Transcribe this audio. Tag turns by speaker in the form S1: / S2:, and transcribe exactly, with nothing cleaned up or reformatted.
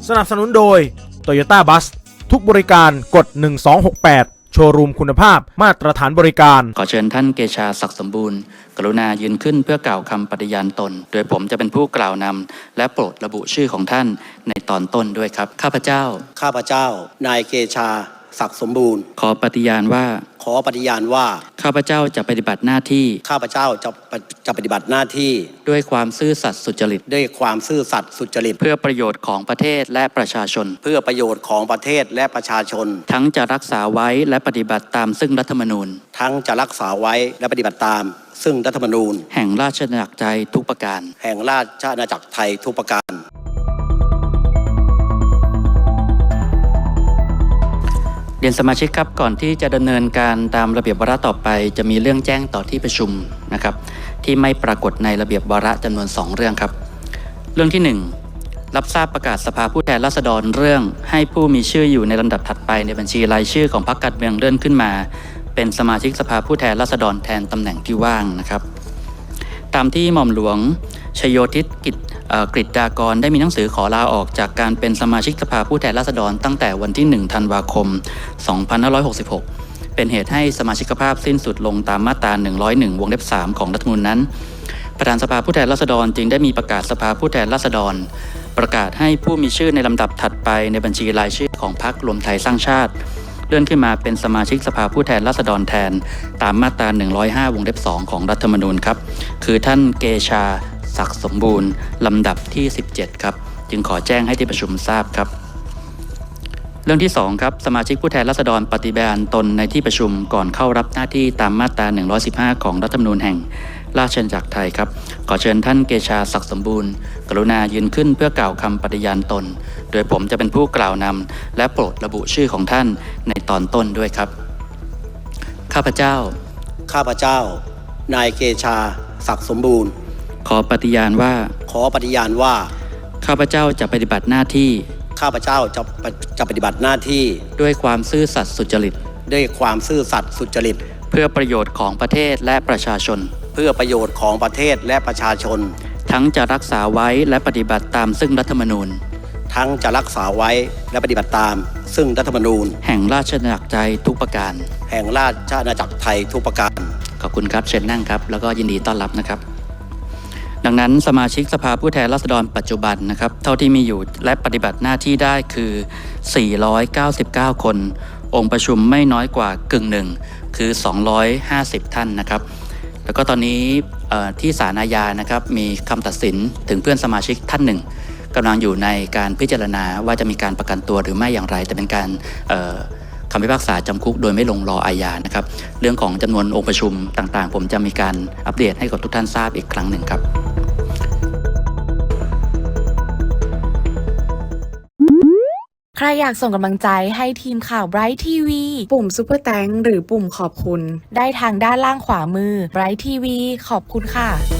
S1: สนับสนุนโดย Toyota Bus ทุกบริการกดหนึ่งสองหกแปดโชว์รูมคุณภาพมาตรฐานบริการ
S2: ขอเชิญท่านเกชาศักดิ์สมบูรณ์กรุณายืนขึ้นเพื่อกล่าวคำปฏิญาณตนโดยผมจะเป็นผู้กล่าวนำและโปรดระบุชื่อของท่านในตอนต้นด้วยครับข้าพเจ้า
S3: ข้าพเจ้านายเกชาศักดิ์สมบูรณ์
S2: ขอปฏิญาณว่า
S3: ขอปฏิญาณว่า
S2: ข้าพเจ้าจะปฏิบัติหน้าที่
S3: ข้าพเจ้าจะจะปฏิบัติหน้าที่
S2: ด้วยความซื่อสัตย์สุจริต
S3: ด้วยความซื่อสัตย์สุจริต
S2: เพื่อประโยชน์ของประเทศและประชาชน
S3: เพื่อประโยชน์ของประเทศและประชาชน
S2: ทั้งจะรักษาไว้และปฏิบัติตามซึ่งรัฐธรรมนูญ
S3: ทั้งจะรักษาไว้และปฏิบัติตามซึ่งรัฐธรรมนูญ
S2: แห่งราชอาณาจักรไทยทุกประการ
S3: แห่งราชอาณาจักรไทยทุกประการ
S2: เรียนสมาชิกครับก่อนที่จะดำเนินการตามระเบียบวาระต่อไปจะมีเรื่องแจ้งต่อที่ประชุมนะครับที่ไม่ปรากฏในระเบียบวาระจำนวนสองเรื่องครับเรื่องที่หนึ่งรับทราบประกาศสภาผู้แทนราษฎรเรื่องให้ผู้มีชื่ออยู่ในลำดับถัดไปในบัญชีรายชื่อของพรรคการเมืองเลื่อนขึ้นมาเป็นสมาชิกสภาผู้แทนราษฎรแทนตำแหน่งที่ว่างนะครับตามที่หม่อมหลวงชโยธิตกิจกฤษฎากรได้มีหนังสือขอลาออกจากการเป็นสมาชิกสภาผู้แทนราษฎรตั้งแต่วันที่หนึ่งธันวาคมสองพันห้าร้อยหกสิบหกเป็นเหตุให้สมาชิกภาพสิ้นสุดลงตามมาตราหนึ่งร้อยเอ็ดวงเล็บสามของรัฐธรรมนูญนั้นประธานสภาผู้แทนราษฎรจึงได้มีประกาศสภาผู้แทนราษฎรประกาศให้ผู้มีชื่อในลำดับถัดไปในบัญชีรายชื่อของพรรครวมไทยสร้างชาติเลื่อนขึ้นมาเป็นสมาชิกสภาผู้แทนราษฎรแทนตามมาตราหนึ่งร้อยห้าวงเล็บสองของรัฐธรรมนูญครับคือท่านเกชาศักดิ์สมบูรณ์ลำดับที่สิบเจ็ดครับจึงขอแจ้งให้ที่ประชุมทราบครับเรื่องที่สองครับสมาชิกผู้แทนราษฎรปฏิบัติตนในที่ประชุมก่อนเข้ารับหน้าที่ตามมาตราหนึ่งร้อยสิบห้าของรัฐธรรมนูญแห่งราชอาณาจักรไทยครับขอเชิญท่านเกชาศักดิ์สมบูรณ์กรุณายืนขึ้นเพื่อกล่าวคำปฏิญาณตนโดยผมจะเป็นผู้กล่าวนำและโปรดระบุชื่อของท่านในตอนต้นด้วยครับข้าพเจ้า
S3: ข้าพเจ้านายเกชาศักดิ์สมบูรณ์
S2: ขอปฏิญาณว่า
S3: ขอปฏิญาณว่า
S2: ข้าพเจ้าจะปฏิบัติหน้าที่
S3: ข้าพเจ้าจะจะปฏิบัติหน้าที่
S2: ด้วยความซื่อสัตย์สุจริต
S3: ด้วยความซื่อสัตย์สุจริต
S2: เพื่อประโยชน์ของประเทศและประชาชน
S3: เพื่อประโยชน์ของประเทศและประชาชน
S2: ทั้งจะรักษาไว้และปฏิบัติตามซึ่งรัฐธรรมนูญ
S3: ทั้งจะรักษาไว้และปฏิบัติตามซึ่งรัฐธรรมนูญ
S2: แห่งราชอาณาจักรไทยทุกประการ
S3: แห่งราชอาณาจักรไทยทุกประการ
S2: ขอบคุณครับเชิญนั่งครับแล้วก็ยินดีต้อนรับนะครับดังนั้นสมาชิกสภาผู้แทนราษฎรปัจจุบันนะครับเท่าที่มีอยู่และปฏิบัติหน้าที่ได้คือสี่ร้อยเก้าสิบเก้าคนองค์ประชุมไม่น้อยกว่ากึ่งหนึ่งคือสองร้อยห้าสิบท่านนะครับแล้วก็ตอนนี้ที่ศาลอาญานะครับมีคำตัดสินถึงเพื่อนสมาชิกท่านหนึ่งกำลังอยู่ในการพิจารณาว่าจะมีการประกันตัวหรือไม่อย่างไรแต่เป็นการคำพิพากษาจำคุกโดยไม่ลงรออาญานะครับเรื่องของจำนวนองค์ประชุมต่างๆผมจะมีการอัปเดตให้กับทุกท่านทราบอีกครั้งหนึ่งครับ
S4: ใครอยากส่งกำลังใจให้ทีมข่าว Bright ที วี ปุ่ม Super Thanks หรือปุ่มขอบคุณได้ทางด้านล่างขวามือ Bright ที วี ขอบคุณค่ะ